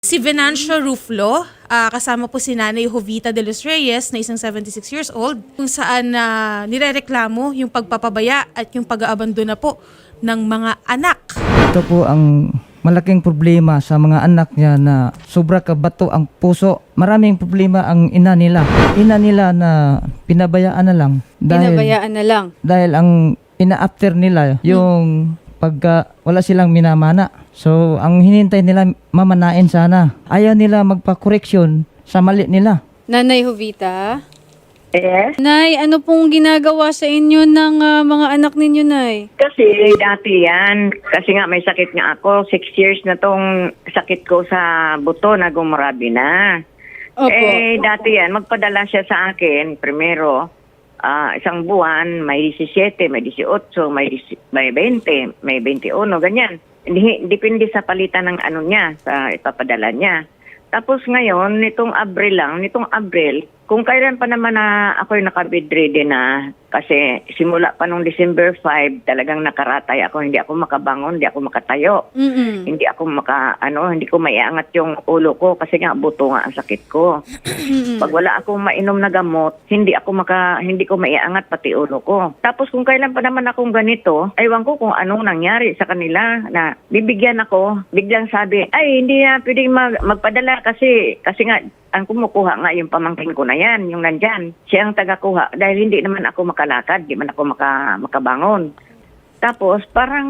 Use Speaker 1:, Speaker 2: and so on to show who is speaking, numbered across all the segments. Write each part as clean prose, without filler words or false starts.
Speaker 1: Si Venancio Ruflo, kasama po si Nanay Jovita de los Reyes na isang 76 years old, kung saan nirereklamo yung pagpapabaya at yung pag-aabandona po ng mga anak.
Speaker 2: Ito po ang malaking problema sa mga anak niya na sobra kabato ang puso. Maraming problema ang ina nila. Ina nila na pinabayaan na lang.
Speaker 3: Pinabayaan na lang.
Speaker 2: Dahil ang ina-after nila yung pagka wala silang minamana. So, ang hinintay nila mamanain sana. Ayaw nila magpa-correction sa mali nila.
Speaker 3: Nanay Jovita?
Speaker 4: Yes.
Speaker 3: Nay, ano pong ginagawa sa inyo ng mga anak ninyo, Nay?
Speaker 4: Kasi dati yan, kasi nga may sakit nga ako. 6 years na tong sakit ko sa buto na gumarabi na.
Speaker 3: Opo.
Speaker 4: Dati yan, magpadala siya sa akin, primero, isang buwan, may 17, may 18, may 20, may 21, ganyan. Depende sa palitan ng ano niya, sa ipapadala niya. Tapos ngayon, nitong Abril, kung kailan pa naman na ako'y naka-bedridden na, kasi simula pa nung December 5, talagang nakaratay ako, hindi ako makabangon, hindi ako makatayo. Hindi ako hindi ko maiangat yung ulo ko kasi nga buto nga ang sakit ko. Pag wala akong mainom na gamot, hindi ko maiangat pati ulo ko. Tapos kung kailan pa naman akong ganito, aywan ko kung anong nangyari sa kanila na bibigyan ako, biglang sabi, ay hindi na pwedeng magpadala kasi nga ang kumukuha nga yung pamangkin ko na yan, yung nandyan. Siya ang tagakuha dahil hindi naman ako makalakad, di man ako makabangon. Tapos parang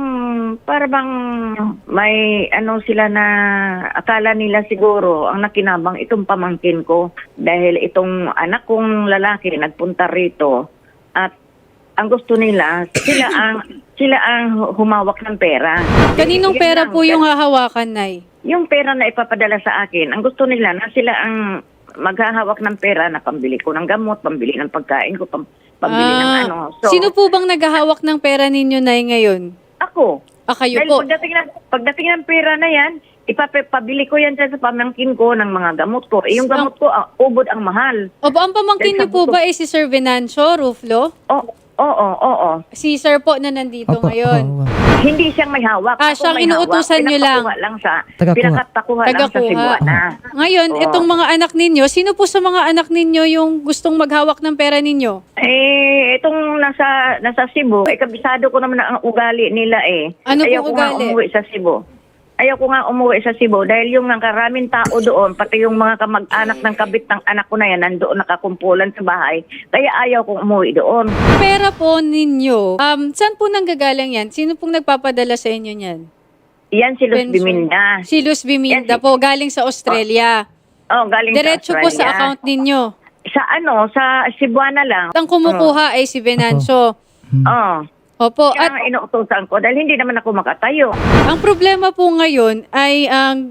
Speaker 4: may sila na akala nila siguro ang nakinabang itong pamangkin ko dahil itong anak kong lalaki nagpunta rito at ang gusto nila, sila ang humawak ng pera.
Speaker 3: Kaninong pera po yung hahawakan, Nay?
Speaker 4: Yung pera na ipapadala sa akin, ang gusto nila na sila ang maghahawak ng pera na pambili ko ng gamot, pambili ng pagkain ko, pambili ng ano. So,
Speaker 3: sino po bang naghahawak ng pera ninyo, Nay, ngayon?
Speaker 4: ako.
Speaker 3: Kayo
Speaker 4: Dahil
Speaker 3: po.
Speaker 4: pagdating ng pera na yan, ipapabili ko yan sa pamangkin ko ng mga gamot ko. Yung gamot ko, ubod ang mahal.
Speaker 3: Opo, ang pamangkin niyo po ba si Sir Venancio Ruflo?
Speaker 4: Oo.
Speaker 3: Si Sir po na nandito ngayon.
Speaker 4: Hindi siyang may hawak.
Speaker 3: Siyang inuutusan niyo lang.
Speaker 4: Pinakapakuha lang sa Cebuana.
Speaker 3: Ngayon, itong mga anak ninyo, sino po sa mga anak ninyo yung gustong maghawak ng pera ninyo?
Speaker 4: Itong nasa Cebu, kabisado ko naman ang ugali nila eh.
Speaker 3: Ano
Speaker 4: Ayaw
Speaker 3: pong
Speaker 4: ko nga
Speaker 3: ugali?
Speaker 4: umuwi sa Cebu. Ayaw ko nga umuwi sa Cebu dahil yung karaming tao doon, pati yung mga kamag-anak ng kabit ng anak ko na yan, nandoon nakakumpulan sa bahay. Kaya ayaw kong umuwi doon.
Speaker 3: Pera po ninyo, saan po nanggagaling yan? Sino pong nagpapadala sa inyo niyan?
Speaker 4: Yan si Luz
Speaker 3: Benzo.
Speaker 4: Biminda.
Speaker 3: Si Luz Biminda po, galing sa Australia.
Speaker 4: Galing
Speaker 3: Diretso
Speaker 4: sa
Speaker 3: po sa
Speaker 4: Australia.
Speaker 3: account ninyo.
Speaker 4: Sa Cebuana lang.
Speaker 3: Ang kumukuha ay si Venancio. Opo.
Speaker 4: Kaya
Speaker 3: At
Speaker 4: nga inuutosan ko dahil hindi naman ako makatayo.
Speaker 3: ang problema po ngayon ay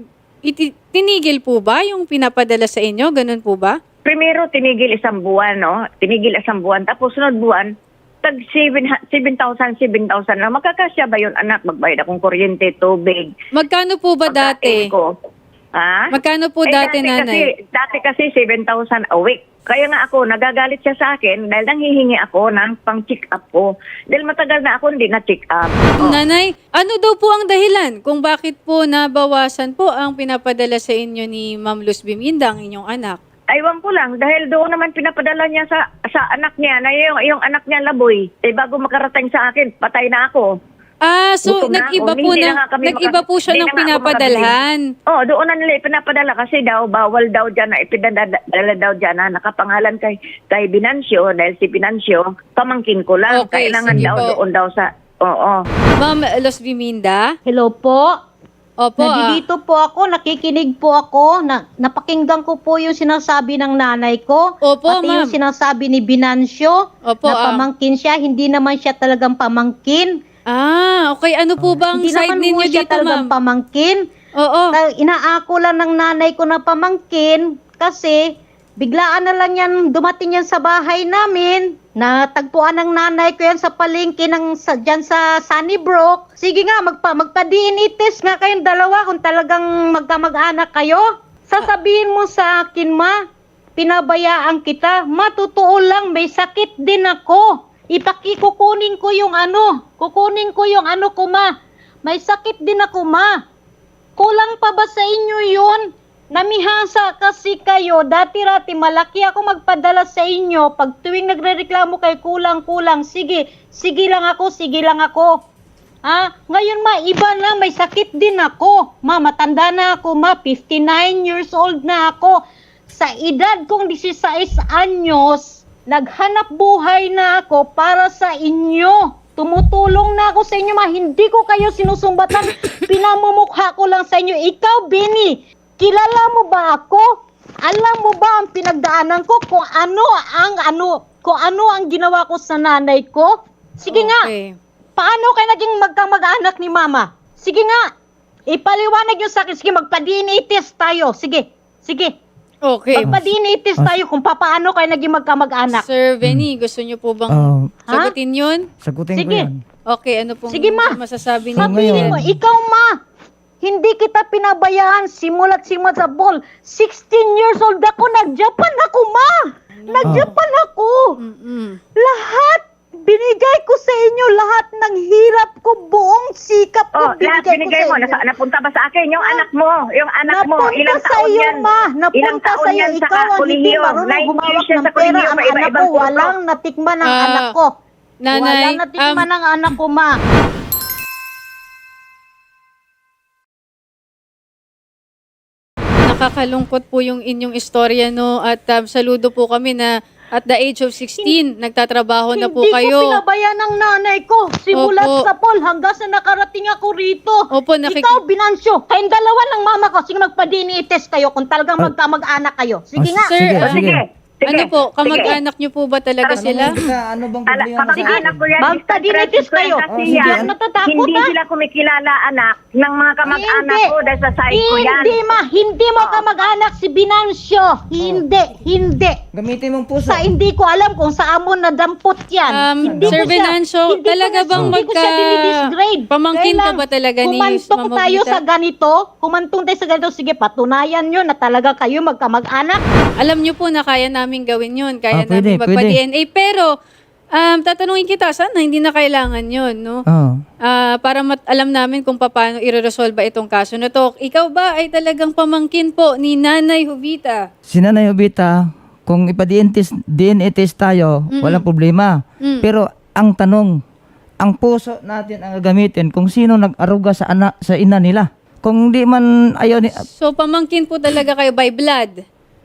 Speaker 3: tinigil po ba yung pinapadala sa inyo? Ganun po ba?
Speaker 4: Primero, tinigil isang buwan, no? Tinigil isang buwan. Tapos, sunod buwan, tag 7,000 lang. Makakasya ba yun, anak? Magbayad akong kuryente, tubig.
Speaker 3: Magkano po ba dati?
Speaker 4: pagkain ko. Ha?
Speaker 3: Magkano po dati, nanay?
Speaker 4: Dati kasi 7,000 a week. Kaya nga ako, nagagalit siya sa akin dahil nanghihingi ako ng pang-check up ko. Dahil matagal na ako hindi na-check up.
Speaker 3: Nanay, ano daw po ang dahilan kung bakit po nabawasan po ang pinapadala sa inyo ni Ma'am Luz Biminda, ang inyong anak?
Speaker 4: Aywan ko lang, dahil doon naman pinapadala niya sa anak niya, na yung anak niya laboy. Bago makarating sa akin, patay na ako.
Speaker 3: So
Speaker 4: Gutom na
Speaker 3: nag-iba
Speaker 4: ako.
Speaker 3: po
Speaker 4: Hindi
Speaker 3: na,
Speaker 4: na nga kami
Speaker 3: nag-iba po siya
Speaker 4: hindi
Speaker 3: ng
Speaker 4: na nga ako
Speaker 3: pinapadalhan.
Speaker 4: Doon na nila ipinapadala kasi bawal daw dyan na ipinadala daw dyan na nakapangalan kay Venancio dahil si Venancio, pamangkin ko lang.
Speaker 3: Okay,
Speaker 4: Kailangan
Speaker 3: sige
Speaker 4: daw
Speaker 3: po.
Speaker 4: doon daw sa,
Speaker 3: Ma'am Luz Biminda?
Speaker 5: Hello po.
Speaker 3: Opo.
Speaker 5: Nandito po ako, nakikinig po ako. Napakinggan ko po yung sinasabi ng nanay ko.
Speaker 3: Opo,
Speaker 5: pati
Speaker 3: ma'am.
Speaker 5: yung sinasabi ni Venancio
Speaker 3: Opo,
Speaker 5: na pamangkin siya. Hindi naman siya talagang pamangkin.
Speaker 3: Okay. Ano po bang
Speaker 5: Hindi
Speaker 3: side
Speaker 5: naman
Speaker 3: ninyo
Speaker 5: po siya
Speaker 3: dito,
Speaker 5: talagang
Speaker 3: ma'am?
Speaker 5: pamangkin.
Speaker 3: Oo.
Speaker 5: Inaako lang ng nanay ko na pamangkin kasi biglaan na lang yan dumating yan sa bahay namin. Natagpuan ng nanay ko yan sa palengke dyan sa Sunnybrook. Sige nga, magpa-DNA test nga kayong dalawa kung talagang magkamag-anak kayo. Sasabihin mo sa akin, ma, pinabayaan kita. Matotoo lang, may sakit din ako. Kukunin ko yung ano ko, ma. May sakit din ako, ma. Kulang pa ba sa inyo yun? namihasa kasi kayo. Dati-rati, malaki ako magpadala sa inyo. Pag tuwing nagrereklamo kay kulang-kulang, sige lang ako. Ngayon ma, iba na, may sakit din ako. Ma, matanda na ako, ma, 59 years old na ako. Sa edad kong 16 anyos, naghanap buhay na ako para sa inyo. Tumutulong na ako sa inyo, ma. Hindi ko kayo sinusumbatan. Pinamumukha ko lang sa inyo. Ikaw, Benny, kilala mo ba ako? Alam mo ba ang pinagdaanan ko kung ano ang ginawa ko sa nanay ko? Sige nga,
Speaker 3: Okay.
Speaker 5: paano kayo naging magkamag-anak ni mama? Sige nga, ipaliwanag nyo sa akin. Sige, magpa-DNA test tayo. Sige.
Speaker 3: Okay.
Speaker 5: Magpa-DNA test tayo kung paano kayo naging magkamag-anak.
Speaker 3: Sir Benny, gusto niyo po bang sagutin yun?
Speaker 2: Sagutin ko
Speaker 5: Sige.
Speaker 2: yan.
Speaker 3: Okay, ano pong
Speaker 5: Sige, ma.
Speaker 3: masasabi niyo?
Speaker 5: Sabihin mo,
Speaker 2: ngayon.
Speaker 5: ikaw ma, hindi kita pinabayaan simula't sa ball. 16 years old ako, nag-Japan ako ma. Nag-Japan ako.
Speaker 3: Mm-mm.
Speaker 5: Lahat, binigay ko sa inyo lahat ng hirap ko, buong sikap ko,
Speaker 4: Lahat binigay mo.
Speaker 5: ko sa inyo.
Speaker 4: Napunta ba sa akin? Yung anak mo.
Speaker 5: Napunta
Speaker 4: Ilang
Speaker 5: sa
Speaker 4: taon
Speaker 5: iyo,
Speaker 4: yan?
Speaker 5: ma.
Speaker 4: Ilang
Speaker 5: Napunta
Speaker 4: taon
Speaker 5: sa iyo.
Speaker 4: yan sa
Speaker 5: Ikaw ang hindi
Speaker 4: kolehiyo?
Speaker 5: marunong
Speaker 4: 9
Speaker 5: humawak
Speaker 4: years yan
Speaker 5: ng
Speaker 4: sa
Speaker 5: pera.
Speaker 4: kolehiyo.
Speaker 5: Ang anak
Speaker 4: Iba-ibang
Speaker 5: ko,
Speaker 4: kurso.
Speaker 5: walang natikman ng
Speaker 3: Ah,
Speaker 5: anak ko.
Speaker 3: Nanay,
Speaker 5: Walang natikman ng anak ko, ma.
Speaker 3: nakakalungkot po yung inyong istorya, no? At saludo po kami na at the age of 16, nagtatrabaho na po
Speaker 5: Hindi
Speaker 3: kayo.
Speaker 5: ko pinabayaan ng nanay ko. Simulat
Speaker 3: Opo.
Speaker 5: sa pool hanggang sa nakarating ako rito.
Speaker 3: Opo,
Speaker 5: Ikaw, Binansyo, kayong dalawa ng mama ko. Sige, magpa-DNA test kayo kung talagang magkamag-anak kayo. Sige nga.
Speaker 3: Sir,
Speaker 2: Sige,
Speaker 4: Sige.
Speaker 3: ano po, kamag-anak niyo po ba talaga sila?
Speaker 2: Ano bang problema sa
Speaker 4: Kapag-anak ko yan,
Speaker 5: Magpa-DNA-test kayo.
Speaker 4: kasi
Speaker 5: Hindi
Speaker 4: yan,
Speaker 5: ako natatakot,
Speaker 4: hindi
Speaker 5: ha?
Speaker 4: sila kumikilala anak ng mga kamag-anak
Speaker 5: Hindi.
Speaker 4: ko dahil sa side ko yan.
Speaker 5: Hindi, ma. Hindi mo kamag-anak si Binansyo. Hindi.
Speaker 2: Gamitin mong puso.
Speaker 5: Hindi ko alam kung saan mo nadampot yan. Hindi
Speaker 3: Sir
Speaker 5: ko siya-
Speaker 3: Venancio,
Speaker 5: hindi ko
Speaker 3: talaga
Speaker 5: na-
Speaker 3: bang
Speaker 5: hindi ko siya dinidisgrade.
Speaker 3: pamangkin
Speaker 5: Kaya
Speaker 3: ka
Speaker 5: lang,
Speaker 3: ba talaga ni
Speaker 5: kumantong
Speaker 3: Ma'am
Speaker 5: tayo
Speaker 3: Jovita?
Speaker 5: sa ganito, sige, patunayan nyo na talaga kayo magkamag-anak.
Speaker 3: Alam niyo po na kaya namin gawin yun. Kaya
Speaker 2: Pwede,
Speaker 3: namin magpa-DNA. Pero, tatanungin kita, sana hindi na kailangan yun, no?
Speaker 2: Oh.
Speaker 3: Para alam namin kung paano i-resolve itong kaso na to. Ikaw ba ay talagang pamangkin po ni Nanay Jovita?
Speaker 2: Si Nanay Jovita, kung DNA test tayo, walang problema. Pero ang tanong, ang puso natin ang gagamitin kung sino nag-aruga sa ina nila. Kung di man ayaw ni
Speaker 3: So, pamangkin po talaga kayo by blood?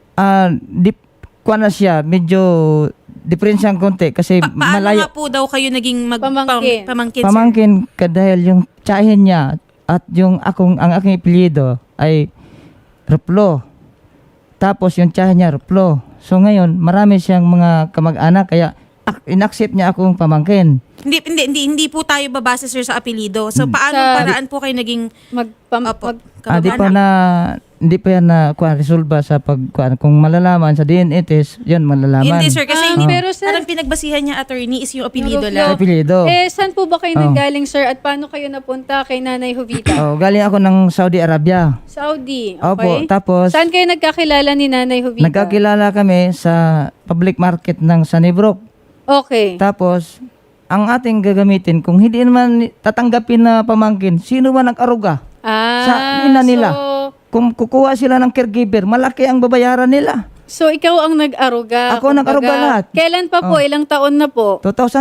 Speaker 2: kuha na siya, medyo diferensyang konti kasi
Speaker 1: Paano
Speaker 2: malayo.
Speaker 1: nga po daw kayo naging
Speaker 3: Pamangkin.
Speaker 1: pamangkin, sir?
Speaker 2: Pamangkin ka dahil yung tsahin niya at ang aking apelyido ay Ruplo. Tapos yung tsahin niya Ruplo. So ngayon, marami siyang mga kamag-anak kaya in-accept niya akong pamangkin.
Speaker 1: Hindi po tayo babase, sir, sa apelido. So, paano paraan po kayo naging Opo,
Speaker 2: Di pa
Speaker 1: kamag-anak?
Speaker 2: hindi pa yan na resolve sa kung malalaman sa DNA test, yun malalaman.
Speaker 1: Hindi, sir, kasi hindi,
Speaker 3: pero, sir,
Speaker 1: parang pinagbasihan niya, attorney, is yung apelido
Speaker 3: Yung
Speaker 1: lang.
Speaker 2: Apelyido.
Speaker 3: saan po ba kayo nanggaling, sir? At paano kayo napunta kay Nanay Jovita?
Speaker 2: Galing ako ng Saudi Arabia.
Speaker 3: Saudi,
Speaker 2: Opo,
Speaker 3: okay?
Speaker 2: tapos
Speaker 3: Saan kayo nagkakilala ni Nanay Jovita?
Speaker 2: nagkakilala kami sa public market ng Sunnybrook.
Speaker 3: Okay.
Speaker 2: Tapos, ang ating gagamitin, kung hindi naman tatanggapin na pamangkin, sino man nag-aruga? Sa ina nila. Kung kukuha sila ng caregiver, malaki ang babayaran nila.
Speaker 3: So, ikaw ang nag-aruga.
Speaker 2: Ako nag-aruga
Speaker 3: kumbaga.
Speaker 2: lahat.
Speaker 3: Kailan pa po? Ilang taon na po?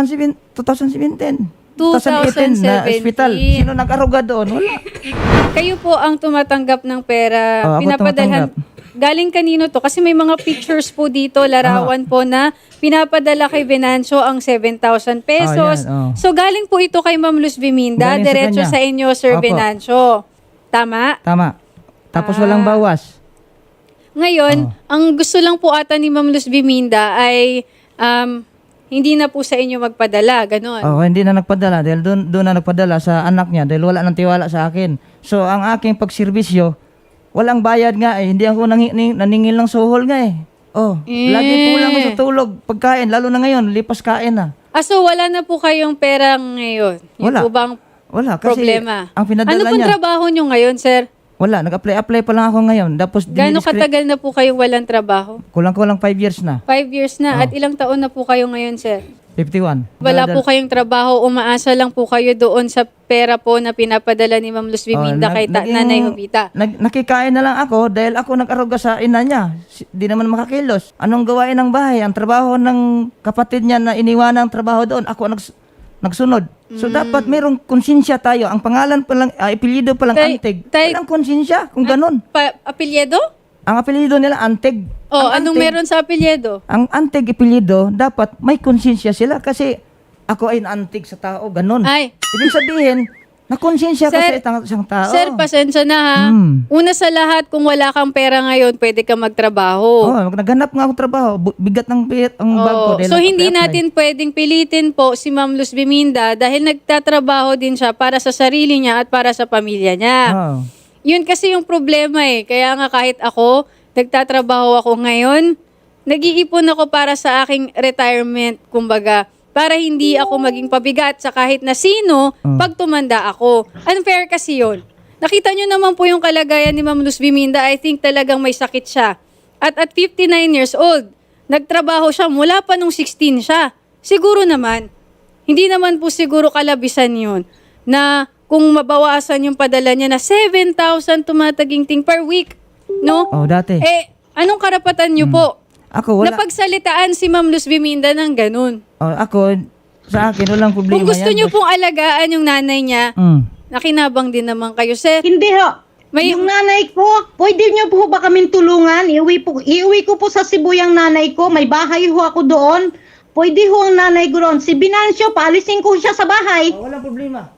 Speaker 2: 2017.
Speaker 3: 2017.
Speaker 2: na hospital. Sino nag-aruga doon? Wala.
Speaker 3: Kayo po ang tumatanggap ng pera.
Speaker 2: Ako
Speaker 3: Pinapadalhan. Galing kanino to? Kasi may mga pictures po dito, larawan po na pinapadala kay Venancio ang 7,000 pesos.
Speaker 2: yan,
Speaker 3: So, galing po ito kay Ma'am Luz Biminda,
Speaker 2: Galing sa
Speaker 3: diretso
Speaker 2: kanya.
Speaker 3: sa inyo, Sir
Speaker 2: Opo.
Speaker 3: Venancio. Tama?
Speaker 2: Tama. Tapos walang bawas.
Speaker 3: Ngayon, ang gusto lang po ata ni Ma'am Luz Biminda ay hindi na po sa inyo magpadala, ganon.
Speaker 2: Hindi na nagpadala dahil doon na nagpadala sa anak niya dahil wala nang tiwala sa akin. So, ang aking pagserbisyo, walang bayad nga eh. Hindi ako naningil ng suhol nga eh. Lagi kulang ako sa tulog, pagkain, lalo na ngayon, lipas kain na.
Speaker 3: So wala na po kayong pera ngayon? Yun
Speaker 2: Wala.
Speaker 3: po bang
Speaker 2: Wala, kasi
Speaker 3: problema?
Speaker 2: ang pinadala
Speaker 3: Ano pong
Speaker 2: niya,
Speaker 3: trabaho nyo ngayon, sir?
Speaker 2: wala, nag-apply pa lang ako ngayon. Tapos,
Speaker 3: Gaano katagal na po kayong walang trabaho?
Speaker 2: kulang 5 years na.
Speaker 3: 5 years na. At ilang taon na po kayo ngayon, sir?
Speaker 2: 51.
Speaker 3: Wala po kayong trabaho, umaasa lang po kayo doon sa pera po na pinapadala ni Ma'am Luz Biminda kay Nanay Jovita.
Speaker 2: Nakikain na lang ako dahil ako nag-aruga sa ina niya. Di naman makakilos. Anong gawain ng bahay? Ang trabaho ng kapatid niya na iniwan ng trabaho doon, ako nagsunod. So dapat mayroong konsensya tayo. Ang pangalan pa lang, apelyido pa lang Antig. Walang konsensya kung ganun.
Speaker 3: Apelyedo?
Speaker 2: Ang apelyido nila Antig.
Speaker 3: Oh,
Speaker 2: Ang
Speaker 3: anong
Speaker 2: Antig-
Speaker 3: meron sa apelyedo?
Speaker 2: Ang Antig apelyido, dapat may konsensya sila kasi ako ay naantig sa tao, ganun.
Speaker 3: Ay.
Speaker 2: Ibig sabihin, nakonsensya ka
Speaker 3: Sir,
Speaker 2: sa isang tao.
Speaker 3: Sir, pasensya na ha. Una sa lahat, kung wala kang pera ngayon, pwede ka magtrabaho.
Speaker 2: Naghanap nga ako trabaho. Bigat ng ang bag ko.
Speaker 3: Oo.
Speaker 2: dahil
Speaker 3: So, hindi
Speaker 2: nag-apply.
Speaker 3: natin pwedeng pilitin po si Ma'am Luz Biminda dahil nagtatrabaho din siya para sa sarili niya at para sa pamilya niya.
Speaker 2: Oo.
Speaker 3: Yun kasi yung problema eh. Kaya nga kahit ako, nagtatrabaho ako ngayon, nag-iipon ako para sa aking retirement, kumbaga, para hindi ako maging pabigat sa kahit na sino pag tumanda ako. Unfair kasi yun. Nakita nyo naman po yung kalagayan ni Ma'am Luz Biminda. I think talagang may sakit siya. At 59 years old, nagtrabaho siya mula pa nung 16 siya. Siguro naman, hindi naman po siguro kalabisan yun na kung mabawasan yung padala niya na 7,000 tumataginting per week. No?
Speaker 2: Oh, dati.
Speaker 3: Anong karapatan niyo po?
Speaker 2: Ako, wala.
Speaker 3: Napagsalitaan si Ma'am Luz Biminda ng ganun.
Speaker 2: Ako, sa akin, walang problema
Speaker 3: Kung gusto
Speaker 2: yan.
Speaker 3: niyo pong alagaan yung nanay niya, nakinabang din naman kayo, sir.
Speaker 5: Hindi ho.
Speaker 3: May-
Speaker 5: Yung nanay ko, pwede niyo po ba kaming tulungan? Iuwi ko po sa Cebu yung nanay ko. May bahay ho ako doon. Pwede ho ang nanay ko doon. Si Binancio, paalisin ko siya sa bahay.
Speaker 2: Walang problema.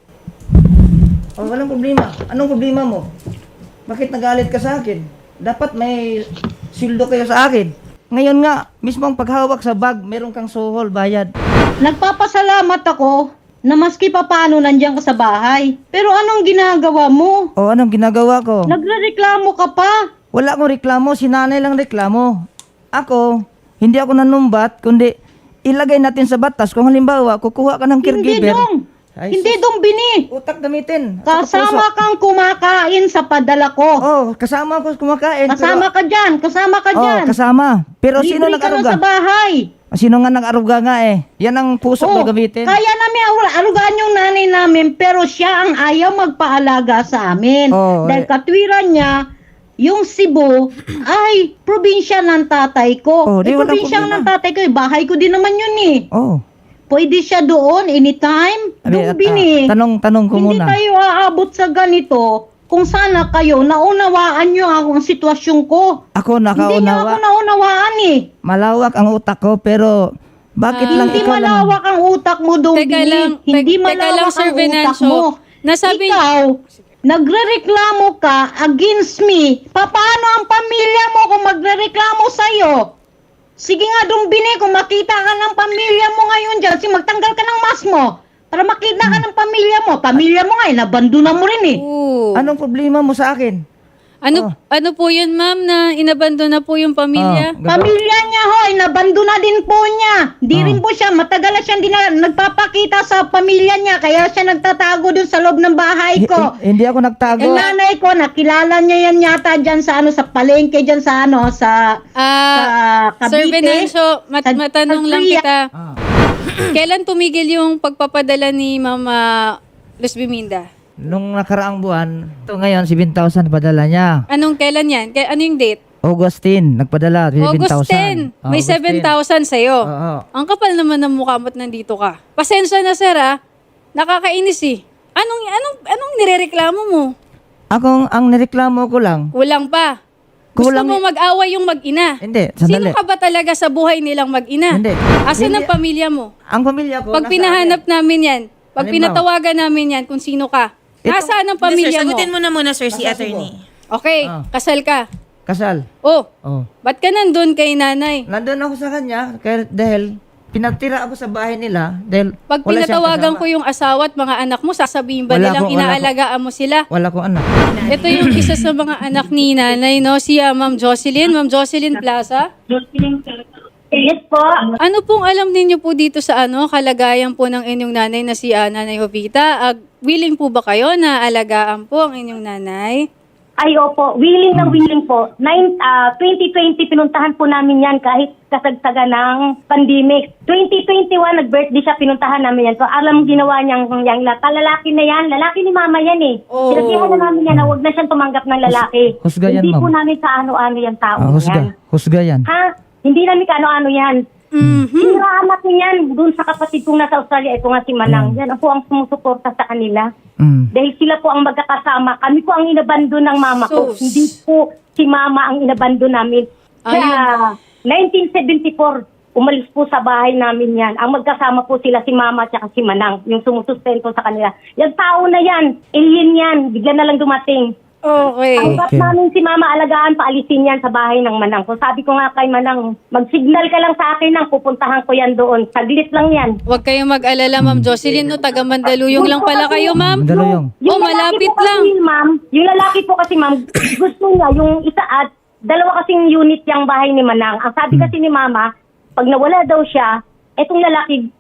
Speaker 2: Walang problema. Anong problema mo? Bakit nagalit ka sa akin? Dapat may sildo kayo sa akin. Ngayon nga, mismo ang paghawak sa bag, meron kang suhol, bayad.
Speaker 5: Nagpapasalamat ako na maski pa paano nandiyan ka sa bahay. Pero anong ginagawa mo?
Speaker 2: Anong ginagawa ko?
Speaker 5: Nagrereklamo ka pa.
Speaker 2: Wala akong reklamo, si nanay lang reklamo. Ako, hindi ako nanumbat, kundi ilagay natin sa batas. Kung halimbawa, kukuha ka ng
Speaker 5: Hindi
Speaker 2: caregiver.
Speaker 5: dong.
Speaker 2: Ay,
Speaker 5: Hindi dong bini.
Speaker 2: Utak gamitin. At saka
Speaker 5: Kasama
Speaker 2: puso.
Speaker 5: kang kumakain sa padala ko.
Speaker 2: Kasama ko kumakain.
Speaker 5: Kasama ka dyan. Kasama ka dyan.
Speaker 2: Kasama. Pero sino
Speaker 5: Libre ka na
Speaker 2: nag-aruga?
Speaker 5: sa bahay.
Speaker 2: Sino nga nag-aruga nga eh? Yan ang puso ko gamitin.
Speaker 5: Kaya namin arugaan yung nanay namin, pero siya ang ayaw magpaalaga sa amin. Dahil katwiran niya, yung Cebu ay probinsya ng tatay ko.
Speaker 2: Di walang
Speaker 5: Probinsya
Speaker 2: problema.
Speaker 5: ng tatay ko, bahay ko din naman yun eh. Pwede siya doon anytime. Doon bini.
Speaker 2: Tanong ko
Speaker 5: Hindi
Speaker 2: muna.
Speaker 5: tayo aabot sa ganito kung sana kayo naunawaan nyo ang sitwasyon ko.
Speaker 2: Ako
Speaker 5: Hindi niyo ako
Speaker 2: nakaunawa.
Speaker 5: naunawaan eh.
Speaker 2: Malawak ang utak ko pero bakit lang
Speaker 5: Hindi
Speaker 2: ikaw lang?
Speaker 5: malawak ang utak mo, Dombini.
Speaker 3: Teka lang,
Speaker 5: Hindi
Speaker 3: teka
Speaker 5: malawak
Speaker 3: lang, Sir
Speaker 5: ang utak
Speaker 3: Venancio.
Speaker 5: mo.
Speaker 3: Nasabi-
Speaker 5: Ikaw, nagrereklamo ka against me. Paano ang pamilya mo kung magrereklamo sa'yo? Sige nga, Dombini, kung makita ka ng pamilya mo ngayon dyan, magtanggal ka ng mask mo. Para makita ka ng pamilya mo. Pamilya mo nga, nabandona mo rin eh.
Speaker 3: Oo.
Speaker 2: Anong problema mo sa akin?
Speaker 3: Ano po yun, ma'am, na inabandon na po yung pamilya?
Speaker 5: Pamilya niya hoy, nabandona din po niya. Di rin po siya, matagal na siyang nagpapakita sa pamilya niya, kaya siya nagtatago dun sa loob ng bahay ko.
Speaker 2: Hindi ako nagtago.
Speaker 5: Yung nanay ko, nakilala niya yan yata dyan sa sa palengke dyan sa sa Cavite.
Speaker 3: Sir Venancio, matanong lang
Speaker 5: Korea.
Speaker 3: kita. Kailan tumigil yung pagpapadala ni Mama Luz Biminda?
Speaker 2: Nung nakaraang buwan, ito ngayon, 7,000 padala niya.
Speaker 3: Anong kailan yan? Ano yung date?
Speaker 2: Augustine, nagpadala, 7,000.
Speaker 3: August 10. May 7,000 sa'yo.
Speaker 2: Oo.
Speaker 3: Ang kapal naman ng mukha mo't nandito ka. Pasensya na, sir, ha? Nakakainis, eh. Anong nirereklamo mo?
Speaker 2: Ang nireklamo ko lang,
Speaker 3: Kulang pa. Gusto
Speaker 2: Kulang-
Speaker 3: mo mag-away yung mag-ina.
Speaker 2: Hindi,
Speaker 3: Sino
Speaker 2: sandali.
Speaker 3: ka ba talaga sa buhay nilang mag-ina?
Speaker 2: Hindi.
Speaker 3: Asan
Speaker 2: Hindi.
Speaker 3: ang pamilya mo?
Speaker 2: Ang pamilya ko,
Speaker 3: Pag
Speaker 2: nasa
Speaker 3: pinahanap namin yan, pag
Speaker 2: Halimbawa.
Speaker 3: pinatawagan namin yan kung sino ka, nasaan ang
Speaker 1: Sir,
Speaker 3: pamilya mo?
Speaker 1: sagutin mo na muna, sir, si attorney.
Speaker 3: Okay, kasal ka.
Speaker 2: kasal.
Speaker 3: Oh,
Speaker 2: Oh.
Speaker 3: ba't ka nandun kay nanay?
Speaker 2: Nandun ako sa kanya dahil pinatira ako sa bahay nila dahil
Speaker 3: Pag
Speaker 2: wala siyang
Speaker 3: pinatawagan
Speaker 2: kasama.
Speaker 3: ko yung asawa at mga anak mo, sasabihin ba
Speaker 2: Wala
Speaker 3: nilang
Speaker 2: ko-
Speaker 3: inaalagaan mo sila?
Speaker 2: Wala kong anak.
Speaker 3: Ito yung isa sa mga anak ni nanay, no? Si Ma'am Jocelyn Plaza.
Speaker 4: Yes po.
Speaker 3: Ano pong alam ninyo po dito sa kalagayan po ng inyong nanay na si Nanay Jovita? Willing po ba kayo na alagaan po ang inyong nanay?
Speaker 6: Ay, opo. Willing na willing po. 2020, pinuntahan po namin yan kahit kasagsaga ng pandemic. 2021, nag-birthday siya, pinuntahan namin yan. So, alam ginawa niyang yang lalaki na yan. Lalaki ni mama yan eh.
Speaker 3: Oh.
Speaker 6: Sinabihan na namin yan na huwag na siyang tumanggap ng lalaki.
Speaker 2: Husga yan,
Speaker 6: Hindi po
Speaker 2: ma'am.
Speaker 6: namin sa ano-ano yan tao
Speaker 2: Husga.
Speaker 6: yan.
Speaker 2: Husga yan.
Speaker 6: Ha? Hindi namin kaano-ano yan. Hiniraanak niyan doon sa kapatid kong nasa Australia. Ito nga si Manang. Yan po ang sumusuporta sa kanila.
Speaker 2: Mm.
Speaker 6: Dahil sila po ang magkakasama. Kami po ang inabando ng mama ko.
Speaker 3: So,
Speaker 6: Hindi po si mama ang inabando namin. Kaya 1974, umalis po sa bahay namin yan. Ang magkasama po sila si mama at si Manang. Yung sumusustento sa kanila. Yung tao na yan, alien yan. Bigla na lang dumating.
Speaker 3: Okay.
Speaker 6: Hanggat
Speaker 2: Okay.
Speaker 6: namin si mama alagaan, paalisin yan sa bahay ng Manang. So sabi ko nga kay Manang, mag-signal ka lang sa akin nang pupuntahan ko yan doon. Saglit lang yan.
Speaker 3: Huwag kayong mag-alala, Ma'am Jocelyn, no? Taga Mandaluyong lang pala kayo, Ma'am.
Speaker 2: Mandaluyong.
Speaker 6: Yung
Speaker 3: Oh,
Speaker 6: lalaki
Speaker 3: malapit
Speaker 6: po kasi,
Speaker 3: lang.
Speaker 6: Ma'am, yung lalaki po kasi, ma'am, gusto niya yung isa at dalawa kasing unit yung bahay ni Manang. Ang sabi kasi ni mama, pag nawala daw siya, etong lalaki,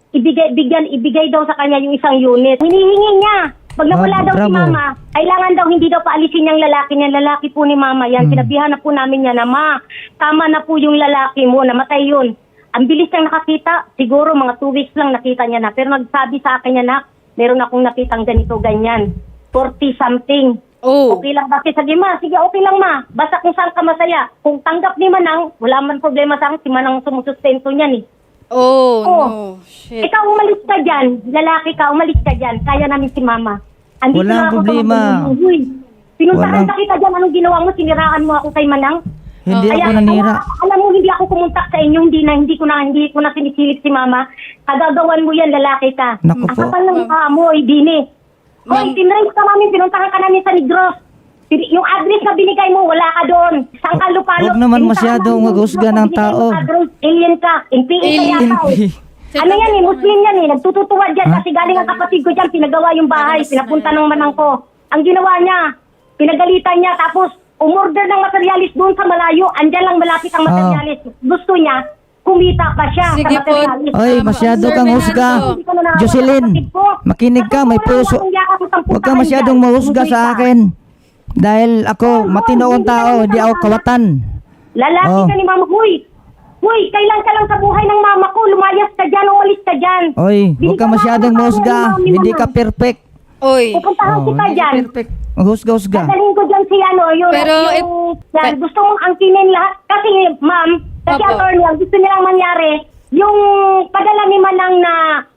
Speaker 6: ibigay daw sa kanya yung isang unit. Hinihingi niya. Pag nawala daw si
Speaker 2: Bravo.
Speaker 6: mama, kailangan daw hindi daw paalisin yung lalaki niya. Lalaki po ni mama yan. Sinabihan na po namin niya na, ma, tama na po yung lalaki mo, namatay yun. Ang bilis niyang nakakita, siguro mga 2 weeks lang nakita niya na. Pero nagsabi sa akin niya na, meron akong nakitang ganito, ganyan. 40 something.
Speaker 3: Oh.
Speaker 6: Okay lang ba? Sige ma, sige okay lang ma. Basta kung saan ka masaya. Kung tanggap ni Manang, wala man problema sa akin. Si Manang sumusustento niyan eh.
Speaker 3: Oh,
Speaker 6: Oh.
Speaker 3: no. Shit.
Speaker 6: Ikaw umalis ka dyan. Lalaki ka, umalis ka dyan. Kaya namin si mama. Andito
Speaker 2: Walang
Speaker 6: na ako sa
Speaker 2: problema.
Speaker 6: Mandaluyong. Uy, pinuntahan
Speaker 2: Walang-
Speaker 6: ka kita dyan. Anong ginawa mo? Siniraan mo ako kay Manang?
Speaker 2: Hindi
Speaker 6: Kaya,
Speaker 2: ako nanira.
Speaker 6: alam mo, hindi ako kumuntak sa inyo. Hindi ko na sinisilip si mama. Kagagawan mo yan, lalaki ka.
Speaker 2: Naku
Speaker 6: Ang
Speaker 2: po.
Speaker 6: kapal ng mukha mo, Dini. Hoy, tinrace ka namin, pinuntahan ka namin sa Negros. Yung address na binigay mo, wala ka doon. Saan ka lupalo?
Speaker 2: Huwag naman masyadong maghusga ng tao.
Speaker 6: Alien ka. NPA ka yata eh. Ano yan eh, Muslim yan eh. Nagtututuwa dyan kasi galing ang kapatid ko dyan, pinagawa yung bahay, pinapunta ng Manang ko. Ang ginawa niya, pinagalitan niya, tapos umorder ng materialis doon sa malayo, andyan lang malapit ang materialis. Gusto niya, kumita pa siya
Speaker 3: Sige
Speaker 6: sa
Speaker 3: po.
Speaker 6: materialis.
Speaker 2: Ay, masyado
Speaker 3: Sir
Speaker 2: kang
Speaker 3: Fernando.
Speaker 2: husga.
Speaker 6: Hindi ko na nakakapag
Speaker 2: Jocelyn,
Speaker 6: kapatid ko.
Speaker 2: makinig ka, may
Speaker 6: Kasi
Speaker 2: puso.
Speaker 6: kung yakap mo sang
Speaker 2: Huwag ka
Speaker 6: puntahan
Speaker 2: masyadong
Speaker 6: dyan,
Speaker 2: mahusga
Speaker 6: hindi
Speaker 2: sa
Speaker 6: ka.
Speaker 2: akin. Dahil ako, matino akong tao, hindi ako kawatan.
Speaker 6: Lalaki
Speaker 2: Oh.
Speaker 6: ka ni mama. Huy, kailan ka lang sa buhay ng mama ko. Lumayas ka dyan, umalis ka dyan.
Speaker 2: Oy, huwag ka masyadong mahusga. Hindi ka perfect.
Speaker 3: Oy.
Speaker 6: Pupuntahan kita
Speaker 2: hindi ka
Speaker 6: dyan.
Speaker 2: perfect. Maghusga-husga.
Speaker 6: Dadalhin ko dyan si yung
Speaker 3: Pero
Speaker 6: yan, gusto mong angkinin lahat. Kasi ma'am, kasi
Speaker 3: Opo.
Speaker 6: attorney, ang gusto nilang mangyari, yung padala ni Manang na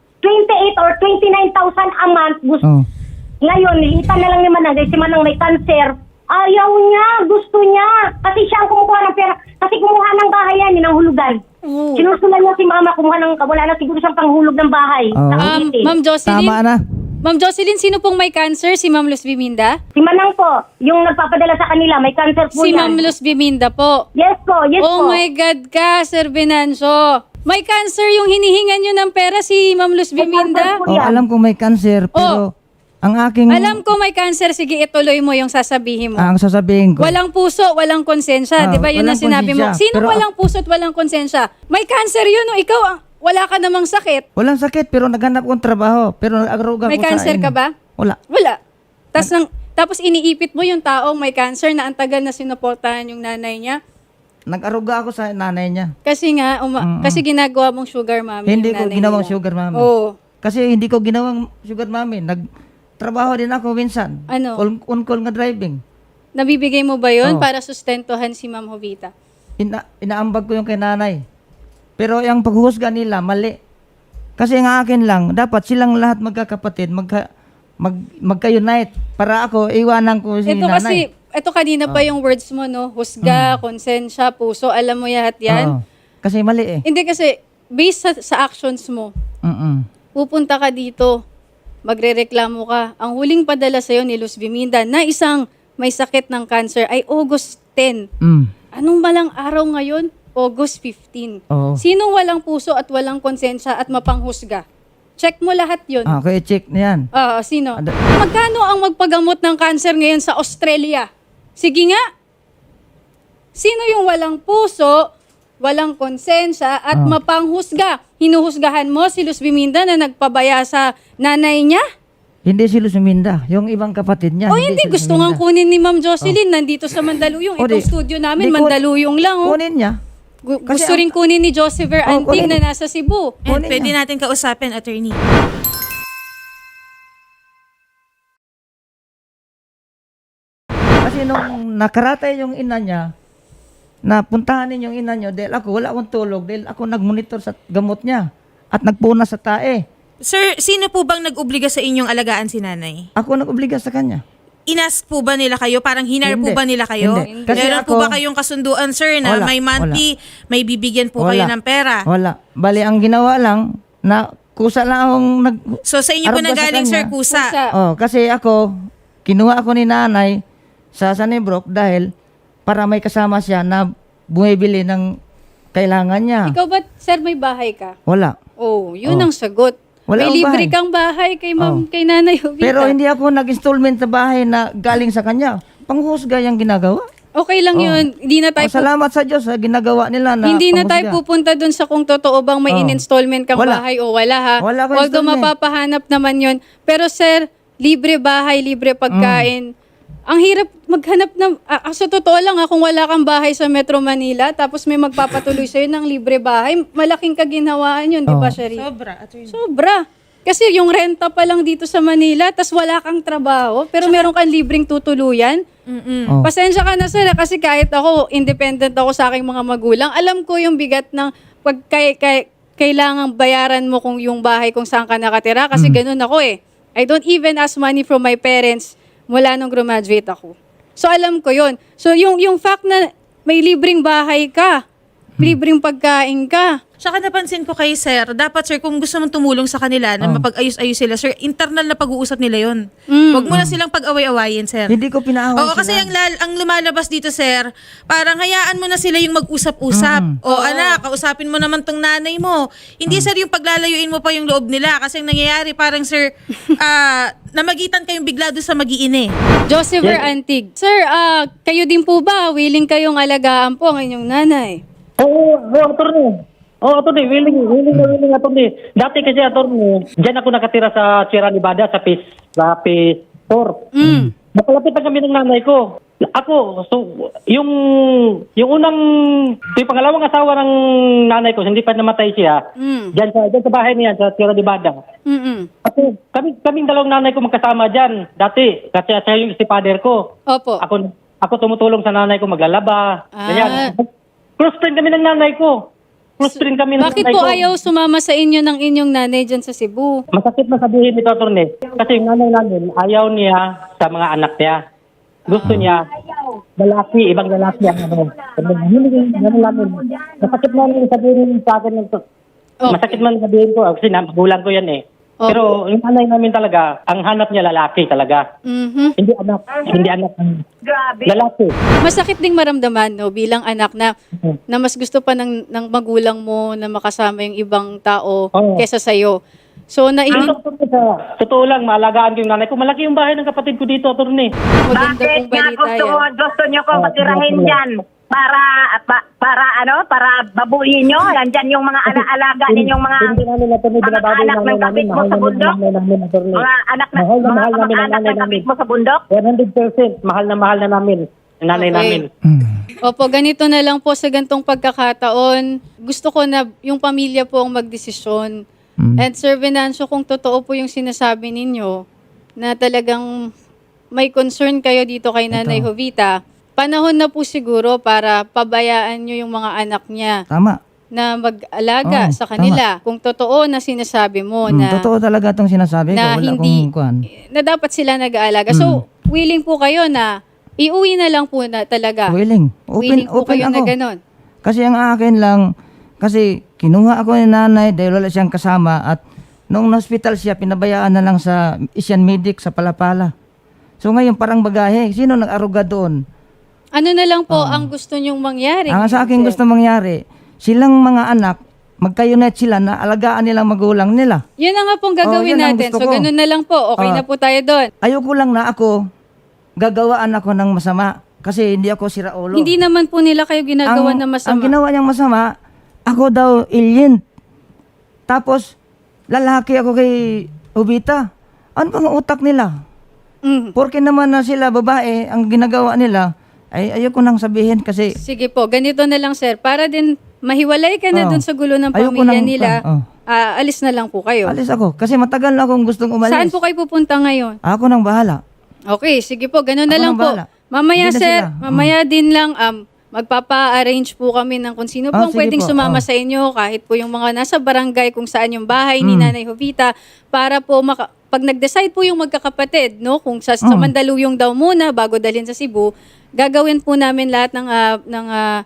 Speaker 6: 28 or 29,000 a month, gusto,
Speaker 2: Oh.
Speaker 6: ngayon, nilitan na lang ni Manang, dahil si Manang may cancer. Ayaw niya, gusto niya. Kasi siya ang kumukuha ng pera. Kasi kumuha ng bahay yan, yun ang hulugan.
Speaker 3: Oh.
Speaker 6: Sinusulan niya si mama, kumuha ng, wala na siguro siyang panghulog ng bahay.
Speaker 2: Oh.
Speaker 6: Sa Cavite.
Speaker 3: Ma'am Jocelyn.
Speaker 2: Tama na.
Speaker 3: Ma'am Jocelyn, sino pong may cancer? Si Ma'am Luz Biminda?
Speaker 6: Si Manang po, yung nagpapadala sa kanila, may cancer po
Speaker 3: Si
Speaker 6: yan.
Speaker 3: Ma'am Luz Biminda po.
Speaker 6: Yes po, yes
Speaker 3: Oh
Speaker 6: po.
Speaker 3: my God ka, Sir Venancio. May cancer yung hinihingan nyo ng pera si Ma'am Luz Biminda?
Speaker 6: cancer po
Speaker 2: Oh,
Speaker 6: yan.
Speaker 2: alam kong may cancer, pero ang aking
Speaker 3: Alam ko may cancer. Sige, ituloy mo yung sasabihin mo.
Speaker 2: ang sasabihin ko.
Speaker 3: Walang puso, walang konsensya.
Speaker 2: Ah,
Speaker 3: Di ba yun ang
Speaker 2: walang
Speaker 3: sinabi mo?
Speaker 2: konsensya.
Speaker 3: Sino
Speaker 2: Pero
Speaker 3: walang puso at walang konsensya? May cancer yun. O ikaw, wala ka namang sakit.
Speaker 2: Walang sakit, pero naghanap kong trabaho. Pero nag-aruga
Speaker 3: May
Speaker 2: ko sa
Speaker 3: cancer ka ba?
Speaker 2: Wala.
Speaker 3: Wala. Tapos iniipit mo yung taong may cancer na ang tagal na sinuportahan yung nanay niya.
Speaker 2: Nag-aruga ako sa nanay niya.
Speaker 3: Kasi nga, kasi ginagawa mong sugar mommy
Speaker 2: Hindi
Speaker 3: yung
Speaker 2: ko
Speaker 3: nanay
Speaker 2: ginawang
Speaker 3: nila.
Speaker 2: sugar mami.
Speaker 3: Oo.
Speaker 2: Kasi hindi ko ginawang sugar mami. Nagtrabaho din ako minsan.
Speaker 3: Ano?
Speaker 2: On-call nga driving.
Speaker 3: Nabibigay mo ba yun
Speaker 2: Oo.
Speaker 3: para sustentuhan si Ma'am Jovita?
Speaker 2: Inaambag ko yung kay nanay. Pero yung paghuhusga nila, mali. Kasi ang akin lang, dapat silang lahat magkakapatid, magka-unite. Para ako, iwanan ko si
Speaker 3: Ito
Speaker 2: nanay.
Speaker 3: kasi, ito kanina pa yung words mo, no? Husga, konsensya, puso, alam mo lahat yan.
Speaker 2: Oo. Kasi mali eh.
Speaker 3: Hindi kasi, based sa actions mo,
Speaker 2: Mm-mm.
Speaker 3: pupunta ka dito, magrereklamo ka. Ang huling padala sa'yo ni Luz Biminda na isang may sakit ng cancer ay August 10.
Speaker 2: Mm.
Speaker 3: Anong malang araw ngayon? August 15.
Speaker 2: Oo.
Speaker 3: Sinong walang puso at walang konsensya at mapanghusga? Check mo lahat yun.
Speaker 2: Okay, check na yan.
Speaker 3: Sino?
Speaker 2: Ada-
Speaker 3: Magkano ang magpagamot ng cancer ngayon sa Australia? Sige nga. Sino yung walang puso, walang konsensya at mapanghusga? Hinuhusgahan mo si Luz Biminda na nagpabaya sa nanay niya?
Speaker 2: Hindi sila suminda. Yung ibang kapatid niya.
Speaker 3: O hindi,
Speaker 2: sila
Speaker 3: gusto nga
Speaker 2: suminda.
Speaker 3: kunin ni Ma'am Jocelyn, nandito sa Mandaluyong.
Speaker 2: O,
Speaker 3: Itong
Speaker 2: di-
Speaker 3: studio namin,
Speaker 2: di kun-
Speaker 3: Mandaluyong lang. Oh.
Speaker 2: Kunin niya. Kasi
Speaker 3: Gusto rin kunin ni Josepher
Speaker 2: Oh,
Speaker 3: Antig
Speaker 2: kunin.
Speaker 3: na nasa Cebu.
Speaker 1: And
Speaker 2: Kunin
Speaker 1: pwede
Speaker 2: niya.
Speaker 1: natin kausapin, attorney.
Speaker 2: Kasi nung nakaratay yung ina niya, napuntahanin yung ina niyo dahil ako, wala akong tulog dahil ako nagmonitor sa gamot niya at nagpuna sa tae.
Speaker 1: Sir, sino po bang nag-obliga sa inyong alagaan si nanay?
Speaker 2: Ako nag-obliga sa kanya.
Speaker 1: Inask po ba nila kayo? Parang hinar po
Speaker 2: Hindi.
Speaker 1: ba nila kayo?
Speaker 2: Hindi. Kasi
Speaker 1: Meron po
Speaker 2: ako-
Speaker 1: ba kayong kasunduan, sir, na
Speaker 2: Wala.
Speaker 1: may monthly, may bibigyan po kayo ng pera?
Speaker 2: Wala. Bali, ang ginawa lang, na kusa lang akong nag...
Speaker 1: So sa inyo po
Speaker 2: Arog ba sa
Speaker 1: nagaling,
Speaker 2: kanya?
Speaker 1: sir, kusa?
Speaker 2: Oh, kasi ako, kinuha ako ni nanay sa Sanibrook dahil para may kasama siya na bumibili ng kailangan niya.
Speaker 3: Ikaw ba, sir, may bahay ka?
Speaker 2: Wala.
Speaker 3: Oh, yun
Speaker 2: Oh.
Speaker 3: ang sagot.
Speaker 2: Wala
Speaker 3: may
Speaker 2: akong
Speaker 3: libre
Speaker 2: bahay.
Speaker 3: kang bahay kay Ma'am,
Speaker 2: Oh.
Speaker 3: kay Nanay Jovita.
Speaker 2: Pero hindi ako nag-installment sa bahay na galing sa kanya. Panghusga yung ginagawa.
Speaker 3: Okay lang
Speaker 2: Oh.
Speaker 3: yun. Hindi na tayo
Speaker 2: Salamat sa Diyos sa ginagawa nila na
Speaker 3: Hindi na tayo
Speaker 2: panghusga.
Speaker 3: pupunta dun sa kung totoo bang may
Speaker 2: Oh.
Speaker 3: in-installment kang
Speaker 2: Wala.
Speaker 3: bahay o wala ha.
Speaker 2: Wala akong
Speaker 3: Although
Speaker 2: installment.
Speaker 3: mapapahanap naman yun. Pero sir, libre bahay, libre pagkain. Ang hirap maghanap ng... sa totoo lang kung wala kang bahay sa Metro Manila tapos may magpapatuloy sa'yo ng libre bahay, malaking kaginhawaan yun, di ba,
Speaker 2: Oh.
Speaker 3: Shari?
Speaker 1: Sobra, attorney.
Speaker 3: Sobra. Kasi yung renta pa lang dito sa Manila, tas wala kang trabaho, pero meron kang libreng tutuluyan.
Speaker 2: Oh.
Speaker 3: Pasensya ka na sir, kasi kahit ako, independent ako sa aking mga magulang, alam ko yung bigat ng pag kailangang bayaran mo kung yung bahay kung saan ka nakatira, kasi ganun ako eh. I don't even ask money from my parents mula nung graduate ako. So alam ko yun. So yung fact na may libreng bahay ka, libreng pagkain ka,
Speaker 1: Tsaka napansin ko kay sir, dapat sir, kung gusto mong tumulong sa kanila na mapag-ayos-ayos sila, sir, internal na pag-uusap nila yun. Huwag mo na silang pag-away-awayin, sir.
Speaker 2: Hindi ko pinaaway
Speaker 1: Oo, kasi ang lumalabas dito, sir, parang hayaan mo na sila yung mag-usap-usap. O anak, kausapin mo naman tong nanay mo. Hindi, sir, yung paglalayuin mo pa yung loob nila. Kasi ang nangyayari, parang, sir, namagitan kayong bigla doon sa mag-iine.
Speaker 3: Josepher Antig. Sir, kayo din po ba willing kayong alagaan po ang inyong nanay?
Speaker 7: Oo, attorney. Oo, attorney, willing, attorney. Dati kasi, attorney, dyan ako nakatira sa Sierra Nevada, sa phase 4. Napalapitan kami ng nanay ko. Ako, so, yung unang, yung pangalawang asawa ng nanay ko, hindi pa namatay siya, dyan sa bahay niya, sa Sierra Nevada. Ako, kaming dalawang nanay ko magkasama dyan, dati, kasi siya yung si father ko.
Speaker 3: Opo.
Speaker 7: Ako tumutulong sa nanay ko maglalaba. Ganyan. Close friend kami ng nanay ko. Close friend kami ng
Speaker 3: Bakit
Speaker 7: nanay
Speaker 3: po
Speaker 7: ko.
Speaker 3: ayaw sumama sa inyo ng inyong nanay dyan sa Cebu?
Speaker 7: Masakit na sabihin ito, attorney. Kasi yung nanay namin, ayaw niya sa mga anak niya. Gusto niya, lalaki, ibang lalaki ang ano. Masakit na sabihin sa akin. Masakit man sabihin ko, kasi magulang ko yan eh.
Speaker 3: Okay.
Speaker 7: Pero yung nanay namin talaga, ang hanap niya lalaki talaga.
Speaker 3: Mhm.
Speaker 7: Hindi anak. Lalaki.
Speaker 3: Masakit ding maramdaman no bilang anak na mas gusto pa ng magulang mo na makasama yung ibang tao
Speaker 7: Oo.
Speaker 3: kesa sa'yo. So
Speaker 7: Totoo lang, maalagaan ko yung nanay ko. Malaki yung bahay ng kapatid ko dito, attorney.
Speaker 3: maganda
Speaker 4: Bakit
Speaker 3: pong
Speaker 4: nga
Speaker 3: balita yan.
Speaker 4: gusto nyo ko matirahin dyan? Para babuhin nyo? Nandyan yung mga alaga ninyong mga
Speaker 7: Hindi namin attorney, binababoy
Speaker 4: anak
Speaker 7: yung
Speaker 4: ng
Speaker 7: nanay namin.
Speaker 4: kapit mo
Speaker 7: Mahal
Speaker 4: sa
Speaker 7: namin
Speaker 4: bundok?
Speaker 7: ang nanay namin, attorney.
Speaker 4: mga anak na
Speaker 7: Mahal na
Speaker 4: mga
Speaker 7: mahal namin ang
Speaker 4: kamag-anak
Speaker 7: nanay
Speaker 4: ng kapit
Speaker 7: namin.
Speaker 4: mo sa bundok?
Speaker 7: 100%. Mahal na namin ang nanay
Speaker 3: Okay.
Speaker 7: namin.
Speaker 3: Opo, ganito na lang po sa gantong pagkakataon. Gusto ko na yung pamilya po ang magdesisyon. And Sir Venancio, kung totoo po yung sinasabi ninyo na talagang may concern kayo dito kay Nanay Jovita, panahon na po siguro para pabayaan nyo yung mga anak niya
Speaker 2: Tama.
Speaker 3: na mag-alaga
Speaker 2: Oo,
Speaker 3: sa kanila. Kung totoo na sinasabi mo na
Speaker 2: Totoo talaga itong sinasabi ko.
Speaker 3: na
Speaker 2: Wala
Speaker 3: hindi
Speaker 2: akong kuhan.
Speaker 3: na dapat sila nag-aalaga. So, willing po kayo na iuwi na lang po na talaga.
Speaker 2: Willing.
Speaker 3: Willing po
Speaker 2: Open
Speaker 3: kayo
Speaker 2: ako.
Speaker 3: na ganon.
Speaker 2: Kasi ang akin lang, kasi kinuha ako ni nanay dahil wala siyang kasama at noong hospital siya, pinabayaan na lang sa Asian Medic sa Palapala. So ngayon parang bagahe. Sino nag-aruga doon?
Speaker 3: Ano na lang po ang gusto nyong mangyari?
Speaker 2: Ang sa akin gusto mangyari, silang mga anak, magka-unite sila na alagaan nilang magulang nila.
Speaker 3: Yun na nga pong gagawin
Speaker 2: yun ang
Speaker 3: natin.
Speaker 2: gusto
Speaker 3: So,
Speaker 2: ko.
Speaker 3: ganun na lang po. Okay na po tayo doon.
Speaker 2: Ayoko lang na ako, gagawaan ako ng masama. Kasi hindi ako siraulo.
Speaker 3: Hindi naman po nila kayo ginagawa na
Speaker 2: Ang
Speaker 3: masama.
Speaker 2: ginawa niyang masama, ako daw alien. Tapos, lalaki ako kay Ubita. Ano bang utak nila?
Speaker 3: Mm.
Speaker 2: Porke naman na sila babae, ang ginagawa nila, ay ayoko nang sabihin kasi
Speaker 3: Sige po, ganito na lang sir. Para din mahiwalay ka na
Speaker 2: Oh.
Speaker 3: dun sa gulo ng
Speaker 2: Ayoko
Speaker 3: pamilya
Speaker 2: nang-
Speaker 3: nila,
Speaker 2: oh.
Speaker 3: alis na lang po kayo.
Speaker 2: alis ako. Kasi matagal na akong gustong umalis.
Speaker 3: Saan po kayo pupunta ngayon?
Speaker 2: Ako nang bahala.
Speaker 3: Okay, sige po, ganun na
Speaker 2: Ako
Speaker 3: lang
Speaker 2: nang
Speaker 3: po.
Speaker 2: bahala.
Speaker 3: Mamaya
Speaker 2: Hindi na
Speaker 3: sir,
Speaker 2: sila.
Speaker 3: mamaya din lang magpapa-arrange po kami ng kung sino po
Speaker 2: Ah,
Speaker 3: ang
Speaker 2: sige
Speaker 3: pwedeng
Speaker 2: po,
Speaker 3: sumama
Speaker 2: oh.
Speaker 3: sa inyo, kahit po yung mga nasa barangay kung saan yung bahay ni Nanay Jovita, para po pag nag-decide po yung magkakapatid, no, kung sa Mandaluyong daw muna bago dalhin sa Cebu, gagawin po namin lahat ng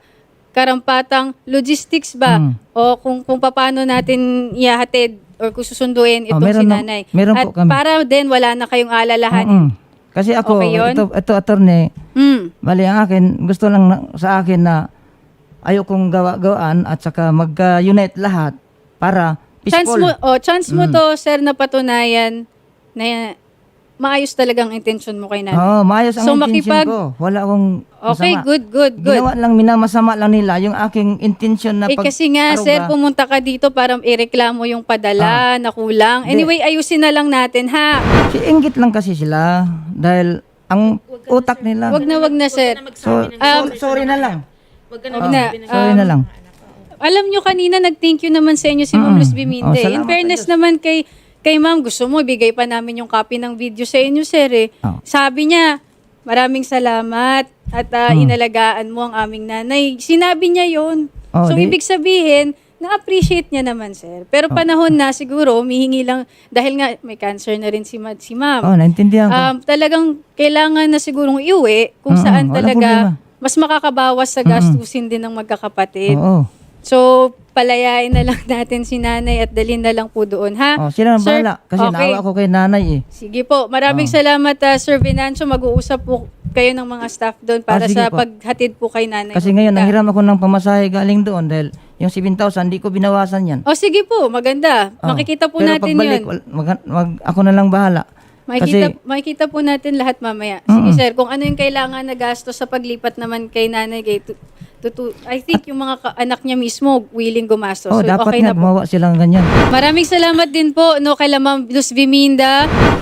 Speaker 3: karampatang logistics ba o kung paano natin ihahatid or kung susunduin itong
Speaker 2: meron
Speaker 3: si
Speaker 2: na-
Speaker 3: Nanay.
Speaker 2: meron
Speaker 3: At
Speaker 2: po kami.
Speaker 3: para din wala na kayong alalahanin.
Speaker 2: Kasi ako,
Speaker 3: Okay yun?
Speaker 2: ito attorney,
Speaker 3: Mm.
Speaker 2: bali ang akin, gusto lang sa akin na ayokong gawaan at saka mag-unite lahat para peaceful.
Speaker 3: Chance mo to, sir, na patunayan na maayos talagang intention mo kay Nanay.
Speaker 2: Oo, maayos ang
Speaker 3: So,
Speaker 2: intention ko. Wala akong
Speaker 3: Okay,
Speaker 2: masama.
Speaker 3: good.
Speaker 2: Ginawa lang, minamasama lang nila yung aking intention na
Speaker 3: Kasi nga, sir, pumunta ka dito para ireklamo yung padala na kulang. Anyway, ayusin na lang natin, ha?
Speaker 2: Inggit lang kasi sila dahil ang utak nila.
Speaker 3: Wag na, sir.
Speaker 2: Sorry na lang.
Speaker 1: Wag ka
Speaker 3: Wag na.
Speaker 2: Sorry na lang.
Speaker 3: Alam nyo, kanina nag-thank you naman sa inyo si Ma'am Luz Biminde. In
Speaker 2: salamat
Speaker 3: fairness naman kay Ma'am, gusto mo, ibigay pa namin yung copy ng video sa inyo, sir.
Speaker 2: Oh.
Speaker 3: Sabi niya, maraming salamat at inalagaan mo ang aming nanay. Sinabi niya yun.
Speaker 2: Oh,
Speaker 3: So,
Speaker 2: di-
Speaker 3: ibig sabihin, na-appreciate niya naman, sir. Pero panahon na, siguro, humihingi lang, dahil nga may cancer na rin si Ma'am.
Speaker 2: Oh, naintindihan ko.
Speaker 3: Talagang kailangan na sigurong iuwi kung saan
Speaker 2: walang
Speaker 3: talaga
Speaker 2: problema.
Speaker 3: mas makakabawas sa gastusin din ng magkakapatid.
Speaker 2: Oo.
Speaker 3: So, palayain na lang natin si nanay at dalhin na lang po doon, ha?
Speaker 2: Oh, sila ang
Speaker 3: Sir,
Speaker 2: bahala. Kasi
Speaker 3: okay.
Speaker 2: naawa ko kay nanay eh.
Speaker 3: Sige po. Maraming salamat, Sir Venancio. Mag-uusap po kayo ng mga staff doon para
Speaker 2: sige
Speaker 3: sa
Speaker 2: po.
Speaker 3: paghatid po kay nanay.
Speaker 2: Kasi ngayon,
Speaker 3: Jovita.
Speaker 2: nanghiram ako ng pamasahe galing doon dahil yung 7,000, di ko binawasan yan.
Speaker 3: O, sige po. Maganda.
Speaker 2: Oh.
Speaker 3: Makikita po
Speaker 2: Pero
Speaker 3: natin
Speaker 2: pagbalik,
Speaker 3: yun.
Speaker 2: ako na lang bahala.
Speaker 3: Makikita po natin lahat mamaya. Sige, sir. Kung ano yung kailangan na gasto sa paglipat naman kay nanay, I think yung mga anak niya mismo willing gumastos.
Speaker 2: Oh,
Speaker 3: So,
Speaker 2: dapat
Speaker 3: okay
Speaker 2: nga
Speaker 3: na po.
Speaker 2: gumawa silang ganyan.
Speaker 3: Maraming salamat din po no kay Ma'am Luz Biminda.